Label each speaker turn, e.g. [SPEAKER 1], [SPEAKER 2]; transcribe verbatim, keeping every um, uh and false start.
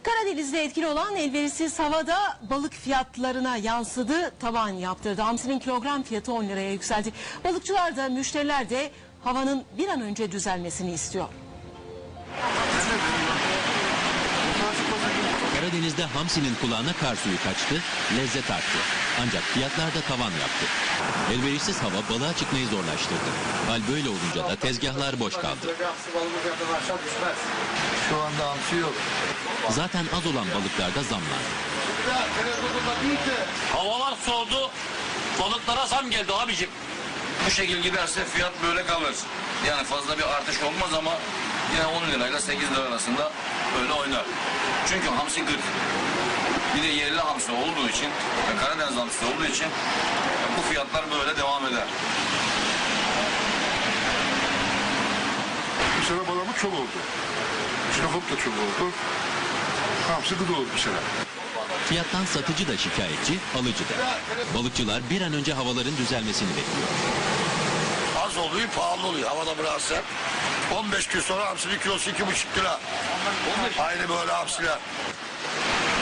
[SPEAKER 1] Karadeniz'de etkili olan elverişsiz havada balık fiyatlarına yansıdı, tavan yaptırdı. Hamsinin kilogram fiyatı on liraya yükseldi. Balıkçılar da müşteriler de havanın bir an önce düzelmesini istiyor.
[SPEAKER 2] Karadeniz'de hamsinin kulağına kar suyu kaçtı, lezzet arttı. Ancak fiyatlarda tavan yaptı. Elverişsiz hava balığa çıkmayı zorlaştırdı. Hal böyle olunca da tezgahlar boş kaldı.
[SPEAKER 3] Şu anda hamsi yok.
[SPEAKER 2] Zaten az olan balıklarda zamlar.
[SPEAKER 4] Havalar soğudu, balıklara zam geldi abicim.
[SPEAKER 5] Bu şekil giderse fiyat böyle kalır. Yani fazla bir artış olmaz ama yine on lirayla sekiz lira arasında böyle oynar. Çünkü hamsi kırk. Bir de yerli hamsi olduğu için, Karadeniz hamsi olduğu için bu fiyatlar böyle devam eder.
[SPEAKER 3] Bu sene balamı çok oldu. Şinokop da çok oldu. Hamsi gıda oldu bu sene.
[SPEAKER 2] Fiyattan satıcı da şikayetçi, alıcı da. Balıkçılar bir an önce havaların düzelmesini bekliyor.
[SPEAKER 4] Az oluyor, pahalı oluyor. Havada biraz sert. on beş gün sonra hamsinin kilosu iki buçuk lira. Aynı böyle hamsiler.